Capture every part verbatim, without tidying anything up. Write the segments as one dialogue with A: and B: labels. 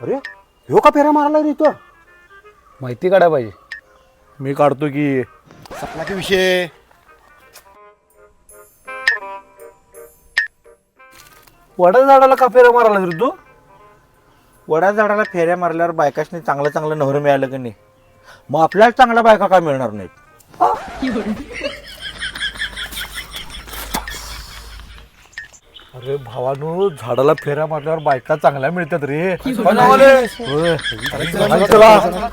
A: अरे ह्यो का फेरा मारला रे तो?
B: माहिती काढायला पाहिजे.
A: मी काढतो की.
C: सपना के विषय
A: वडा झाडाला का फेरा मारला रे तू?
D: वडा झाडाला फेऱ्या मारल्यावर बायकाशनी चांगलं चांगलं नवरं मिळालं की नाही, मग आपल्याला चांगल्या बायका काय मिळणार नाहीत?
A: अरे भावानो, झाडाला फेऱ्या मारल्यावर बायका चांगल्या मिळतात रे. होय. चला, चला.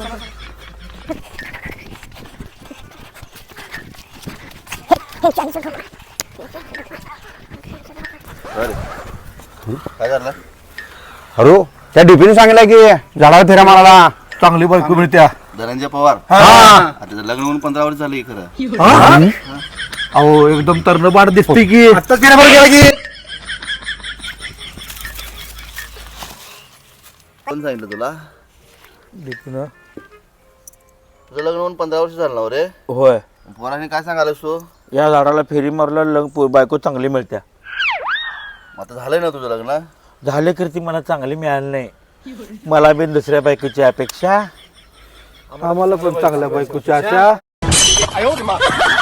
C: काय झालं?
B: अरे त्या डीपीने सांगितलं की झाडाला फेऱ्या मारायला
A: चांगली बायको मिळत्या.
C: धनंजय पवार
A: हा.
C: आता त्याचं लग्न होऊन पंधरा वर्ष झाले खरं.
A: हा? अहो एकदम तरणबाड दिसते की.
B: आता फेऱ्या मार गेला की
C: कोण सांगितलं तुला?
A: दीपीनं.
C: तुझं लग्न होऊन पंधरा वर्ष झालं ना रे.
D: होय,
C: पोराने काय सांगायलास तू?
D: या झाडाला फेरी मारल्यावर लग पो- बायको चांगली मिळत्या.
C: मग आता झालंय ना तुझं लग्न?
D: झाले तर ती मला चांगली मिळाली नाही. मला बी दुसऱ्या बायकोची अपेक्षा.
A: आम्हाला पण चांगल्या बायकोची आशा.